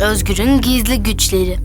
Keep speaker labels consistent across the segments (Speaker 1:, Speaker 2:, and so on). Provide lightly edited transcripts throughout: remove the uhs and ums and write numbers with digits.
Speaker 1: Özgür'ün gizli güçleri.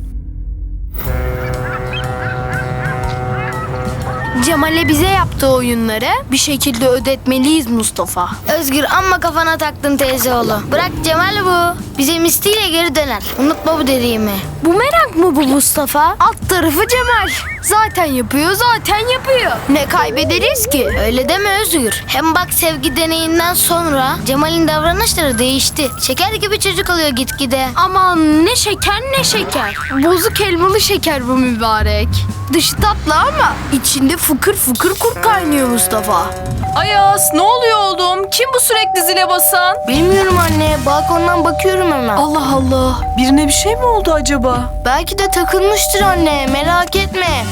Speaker 1: Cemal'e bize yaptığı oyunları bir şekilde ödetmeliyiz Mustafa.
Speaker 2: Özgür amma kafana taktın teyzeoğlu. Bırak Cemal bu. Bize misliyle geri döner. Unutma bu dediğimi.
Speaker 1: Bu merak mı bu Mustafa? Alt tarafı Cemal. Zaten yapıyor. Ne kaybederiz ki?
Speaker 2: Öyle deme Özgür. Hem bak sevgi deneyinden sonra Cemal'in davranışları değişti. Şeker gibi çocuk oluyor gitgide.
Speaker 1: Aman ne şeker. Bozuk elmalı şeker bu mübarek. Dışı tatlı ama içinde fıkır fıkır kurt kaynıyor Mustafa.
Speaker 3: Ayaz, ne oluyor oğlum? Kim bu sürekli zile basan?
Speaker 1: Bilmiyorum anne. Balkondan bakıyorum hemen.
Speaker 3: Allah Allah, birine bir şey mi oldu acaba?
Speaker 1: Belki de takılmıştır anne. Merak etme.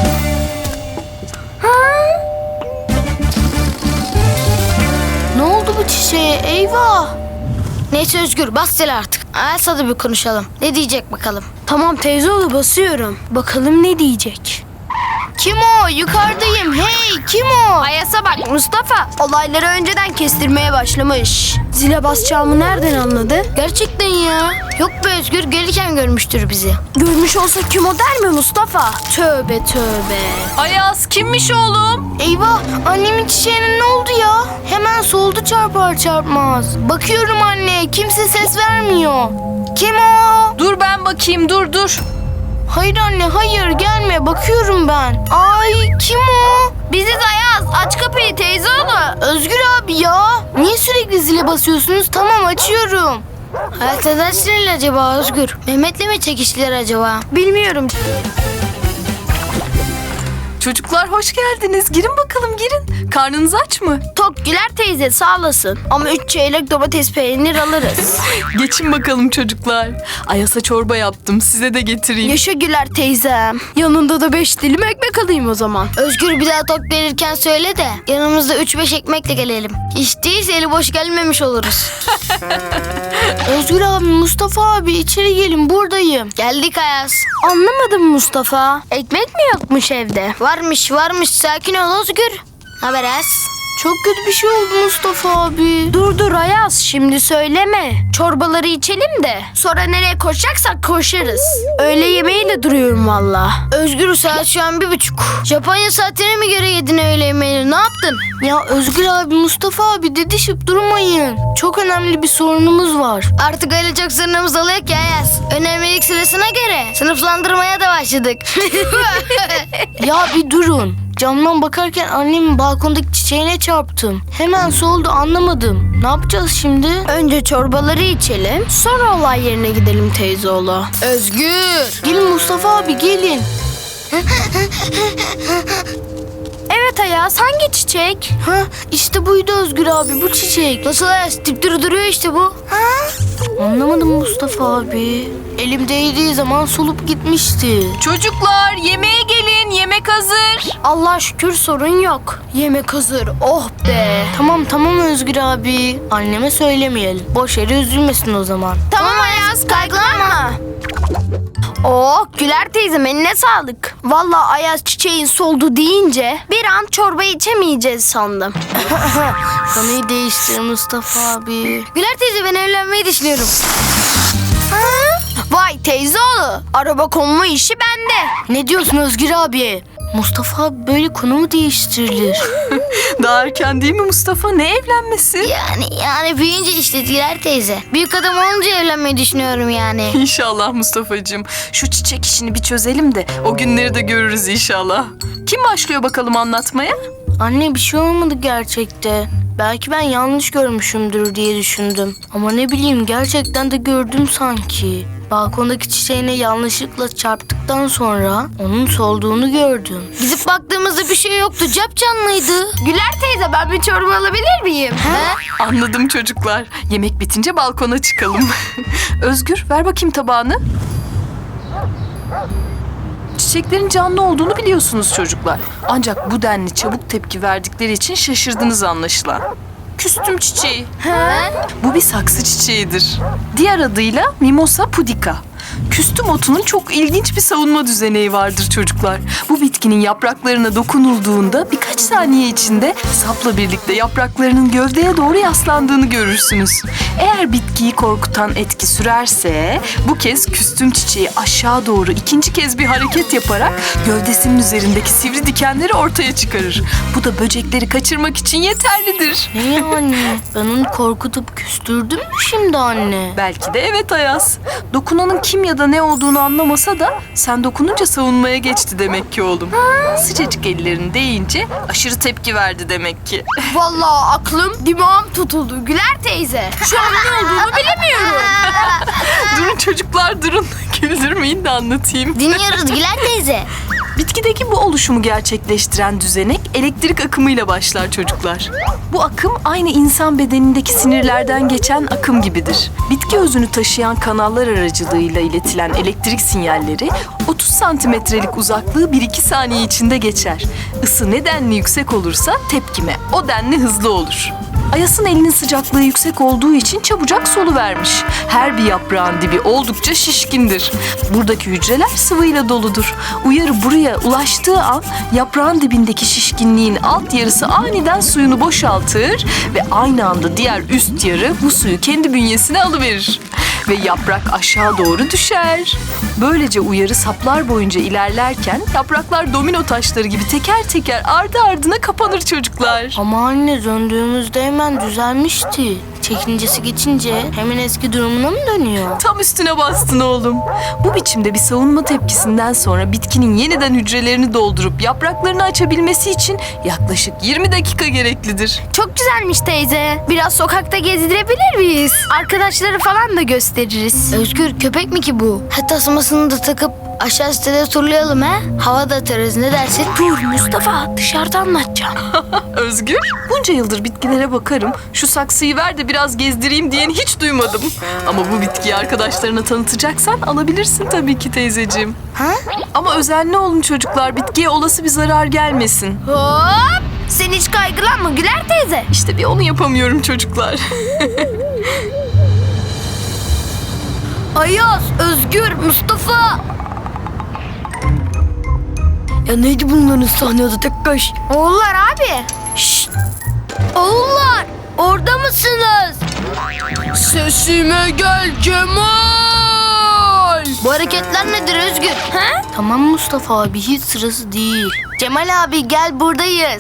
Speaker 1: Ne oldu bu çiçeğe? Eyvah.
Speaker 2: Neyse Özgür bas zile artık. Ayas'a da bir konuşalım. Ne diyecek bakalım.
Speaker 1: Tamam teyzeoğlu basıyorum. Bakalım ne diyecek. Kim o? Yukarıdayım. Hey kim o? Ayas'a bak Mustafa. Olayları önceden kestirmeye başlamış. Zile basacağımı nereden anladı?
Speaker 2: Gerçekten ya. Yok be Özgür gelirken görmüştür bizi.
Speaker 1: Görmüş olsa kim o der mi Mustafa? Tövbe.
Speaker 3: Ayaz, kimmiş oğlum?
Speaker 1: Eyvah annemin çiçeğine ne oldu ya? Hemen soldu çarpar çarpmaz. Bakıyorum anne kimse ses vermiyor. Kim o?
Speaker 3: Dur ben bakayım, dur.
Speaker 1: Hayır anne hayır gelme bakıyorum ben. Ay kim o? Biziz Ayaz aç kapıyı teyzeoğlu. Özgür abi ya. Niye sürekli zile basıyorsunuz? Tamam açıyorum.
Speaker 2: Hayat neden sinirli acaba Özgür? Mehmet'le mi çekiştiler acaba?
Speaker 1: Bilmiyorum.
Speaker 3: Çocuklar hoş geldiniz. Girin bakalım, girin. Karnınız aç mı?
Speaker 1: Tok Güler teyze sağ olasın. Ama 3 çeyrek domates peynir alırız.
Speaker 3: Geçin bakalım çocuklar. Ayaz'a çorba yaptım. Size de getireyim.
Speaker 1: Yaşa Güler teyzem. Yanında da 5 dilim ekmek alayım o zaman.
Speaker 2: Özgür bir daha tok gelirken söyle de yanımızda 3-5 ekmekle gelelim. Hiç değilse eli boş gelmemiş oluruz.
Speaker 1: Özgür abi, Mustafa abi içeri gelin buradayım.
Speaker 2: Geldik Ayaz.
Speaker 1: Anlamadım Mustafa. Ekmek mi yokmuş evde?
Speaker 2: Varmış sakin ol Özgür. Haber Ayaz.
Speaker 1: Çok kötü bir şey oldu Mustafa abi. Dur Ayaz şimdi söyleme. Çorbaları içelim de sonra nereye koşacaksak koşarız. Öğle yemeğiyle duruyorum valla.
Speaker 2: Özgür saat şu an 1:30. Japonya saatine mi göre yedin öğle yemeğini? Ne yaptın?
Speaker 1: Ya Özgür abi, Mustafa abi didişip durmayın. Çok önemli bir sorunumuz var.
Speaker 2: Artık öyle çok sorunumuz oluyor ki Ayaz. Önemlilik sırasına göre sınıflandırmaya da başladık.
Speaker 1: Ya bir durun. Camdan bakarken annemin balkondaki çiçeğine çarptım. Hemen soldu anlamadım. Ne yapacağız şimdi? Önce çorbaları içelim. Sonra olay yerine gidelim teyzeoğlu.
Speaker 2: Özgür.
Speaker 1: Gelin Mustafa abi gelin. Evet Ayaz hangi çiçek? Ha işte buydu Özgür abi bu çiçek.
Speaker 2: Nasıl Ayaz? Dipdiri duruyor işte bu.
Speaker 1: Anlamadım Mustafa abi. Elim değdiği zaman solup gitmişti.
Speaker 3: Çocuklar yemeğe gelin. Yemek hazır.
Speaker 1: Allah şükür sorun yok. Yemek hazır. Oh be. Tamam Özgür abi. Anneme söylemeyelim. Boş yere üzülmesin o zaman. Tamam Ayaz kaygılanma. Oh Güler teyzem eline sağlık. Vallahi Ayaz çiçeğin soldu deyince bir an çorba içemeyeceğiz sandım. Konuyu değiştir Mustafa abi.
Speaker 2: Güler teyze ben evlenmeyi düşünüyorum.
Speaker 1: Vay teyzeoğlu, araba konma işi bende. Ne diyorsun Özgür abi? Mustafa abi böyle konu mu değiştirilir?
Speaker 3: Daha erken değil mi Mustafa? Ne evlenmesi?
Speaker 2: Yani büyüyünce işte Güler teyze. Büyük adam olunca evlenmeyi düşünüyorum yani.
Speaker 3: İnşallah Mustafa'cığım. Şu çiçek işini bir çözelim de o günleri de görürüz inşallah. Kim başlıyor bakalım anlatmaya?
Speaker 1: Anne bir şey olmadı gerçekte. Belki ben yanlış görmüşümdür diye düşündüm. Ama ne bileyim gerçekten de gördüm sanki. Balkondaki çiçeğine yanlışlıkla çarptıktan sonra onun solduğunu gördüm.
Speaker 2: Gidip baktığımızda bir şey yoktu. Capcanlıydı.
Speaker 1: Güler teyze ben bir çorba alabilir miyim?
Speaker 3: Anladım çocuklar. Yemek bitince balkona çıkalım. Özgür ver bakayım tabağını. Çiçeklerin canlı olduğunu biliyorsunuz çocuklar. Ancak bu denli çabuk tepki verdikleri için şaşırdınız anlaşılan. Küstüm çiçeği. Bu bir saksı çiçeğidir. Diğer adıyla Mimosa pudica. Küstüm otunun çok ilginç bir savunma düzeneği vardır çocuklar. Bu bitkinin yapraklarına dokunulduğunda birkaç saniye içinde sapla birlikte yapraklarının gövdeye doğru yaslandığını görürsünüz. Eğer bitkiyi korkutan etki sürerse bu kez küstüm çiçeği aşağı doğru ikinci kez bir hareket yaparak gövdesinin üzerindeki sivri dikenleri ortaya çıkarır. Bu da böcekleri kaçırmak için yeterlidir.
Speaker 1: Ne yani? Ben onu korkutup küstürdüm mü şimdi anne?
Speaker 3: Belki de evet Ayaz. Dokunanın kim ya da ne olduğunu anlamasa da sen dokununca savunmaya geçti demek ki oğlum. Sıcacık ellerini değince aşırı tepki verdi demek ki.
Speaker 4: Vallahi aklım dimağım tutuldu Güler teyze. Şu an ne olduğunu bilemiyorum.
Speaker 3: Durun çocuklar durun. Güldürmeyin de anlatayım.
Speaker 2: Dinliyoruz Güler teyze.
Speaker 3: Bitkideki bu oluşumu gerçekleştiren düzenek elektrik akımıyla başlar çocuklar. Bu akım aynı insan bedenindeki sinirlerden geçen akım gibidir. Bitki özünü taşıyan kanallar aracılığıyla iletilen elektrik sinyalleri 30 santimetrelik uzaklığı 1-2 saniye içinde geçer. Isı ne denli yüksek olursa tepkime o denli hızlı olur. Ayas'ın elinin sıcaklığı yüksek olduğu için çabucak soluvermiş. Her bir yaprağın dibi oldukça şişkindir. Buradaki hücreler sıvıyla doludur. Uyarı buraya ulaştığı an yaprağın dibindeki şişkinliğin alt yarısı aniden suyunu boşaltır ve aynı anda diğer üst yarı bu suyu kendi bünyesine alıverir. Ve yaprak aşağı doğru düşer. Böylece uyarı saplar boyunca ilerlerken yapraklar domino taşları gibi teker teker ardı ardına kapanır çocuklar.
Speaker 1: Ama anne döndüğümüzde hemen düzelmişti. Çekincesi geçince hemen eski durumuna mı dönüyor?
Speaker 3: Tam üstüne bastın oğlum. Bu biçimde bir savunma tepkisinden sonra bitkinin yeniden hücrelerini doldurup yapraklarını açabilmesi için yaklaşık 20 dakika gereklidir.
Speaker 4: Çok güzelmiş teyze. Biraz sokakta gezdirebilir miyiz? Arkadaşları falan da gösteririz.
Speaker 2: Özgür köpek mi ki bu? Tasmasını da takıp aşağı sitede turlayalım ha? Hava da atarız ne dersin?
Speaker 4: Dur Mustafa dışarıda anlatacağım.
Speaker 3: Özgür, bunca yıldır bitkilere bakarım. Şu saksıyı ver de biraz gezdireyim diyeni hiç duymadım. Ama bu bitkiyi arkadaşlarına tanıtacaksan alabilirsin tabii ki teyzeciğim.
Speaker 2: Ha?
Speaker 3: Ama özenli olun çocuklar, bitkiye olası bir zarar gelmesin.
Speaker 4: Hop! Sen hiç kaygılanma Güler teyze.
Speaker 3: İşte bir onu yapamıyorum çocuklar.
Speaker 4: Ayaz, Özgür, Mustafa.
Speaker 1: Ya neydi bunların sahnede tek kaş?
Speaker 4: Oğullar abi. Şşt! Oğullar, orada mısınız? Sesime gel Cemal.
Speaker 2: Bu hareketler nedir Özgür? Ha?
Speaker 1: Tamam Mustafa abi hiç sırası değil.
Speaker 2: Cemal abi gel buradayız.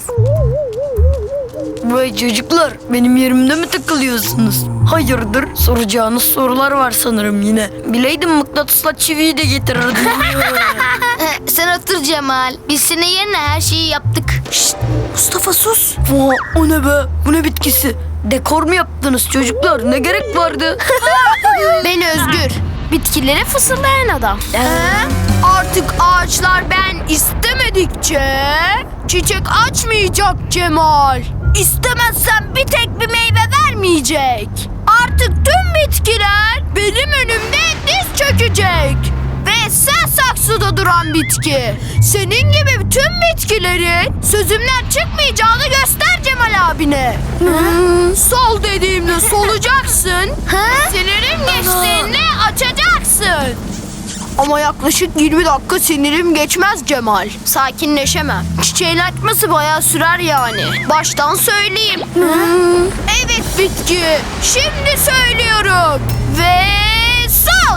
Speaker 1: Vay çocuklar benim yerimde mi takılıyorsunuz? Hayırdır soracağınız sorular var sanırım yine. Bileydim mıknatısla çiviyi de getirirdim.
Speaker 2: Sen otur Cemal. Biz senin yerine her şeyi yaptık.
Speaker 1: Mustafa sus. O ne be? Bu ne bitkisi? Dekor mu yaptınız çocuklar? Ne gerek vardı?
Speaker 4: Ben Özgür. Bitkilere fısıldayan adam. Artık ağaçlar ben istemedikçe çiçek açmayacak Cemal. İstemezsen bir tek bir meyve vermeyecek. Artık tüm bitkiler benim önümde diz çökecek. Ve sen saksıda duran bitki. Senin gibi tüm bitkilerin sözümden çıkmayacağını göster Cemal abine. Sol dediğimde solacaksın. Sinirim geçtiğinde açacaksın. Ama yaklaşık 20 dakika sinirim geçmez Cemal. Sakinleşemem. Çiçeğin açması bayağı sürer yani. Baştan söyleyeyim. Evet bitki. Şimdi söylüyorum. Ve sol.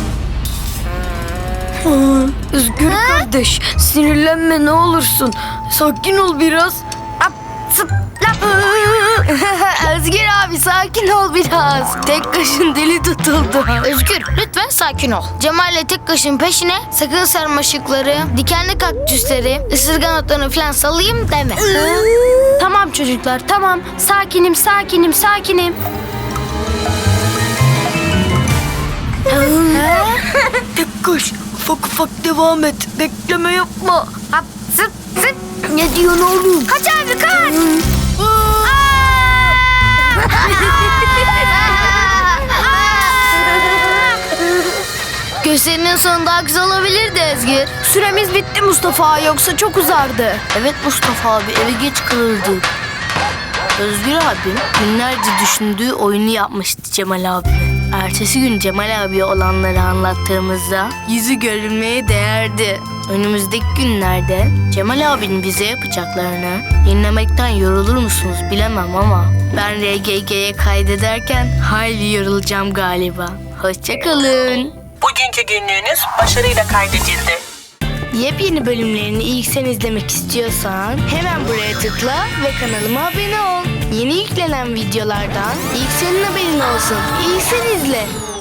Speaker 1: Özgür kardeş sinirlenme ne olursun. Sakin ol biraz.
Speaker 2: Özgür abi sakin ol biraz.
Speaker 1: Tek kaşın deli tutuldu.
Speaker 2: Özgür lütfen sakin ol. Cemal'le tek kaşın peşine sakın sarmaşıkları, dikenli kaktüsleri, ısırgan otlarını falan salayım deme.
Speaker 4: Tamam çocuklar tamam. Sakinim.
Speaker 1: Tek kaş ufak ufak devam et. Bekleme yapma.
Speaker 2: Hop, zıp zıp.
Speaker 1: Ne diyorsun oğlum?
Speaker 4: Kaç abi kaç.
Speaker 2: Gösterinin sonu daha güzel olabilirdi Özgür.
Speaker 4: Süremiz bitti Mustafa yoksa çok uzardı.
Speaker 1: Evet Mustafa abi eve geç kalırdık. Özgür abim günlerce düşündüğü oyunu yapmıştı Cemal abime. Ertesi gün Cemal abiye olanları anlattığımızda yüzü görülmeye değerdi. Önümüzdeki günlerde Cemal abinin bize yapacaklarını dinlemekten yorulur musunuz bilemem ama ben RGG'ye kaydederken hayli yorulacağım galiba. Hoşçakalın.
Speaker 5: Bugünkü günlüğünüz başarıyla kaydedildi.
Speaker 1: Yepyeni bölümlerini ilk sen izlemek istiyorsan hemen buraya tıkla ve kanalıma abone ol. Yeni yüklenen videolardan ilk senin haberin olsun. İlk sen izle.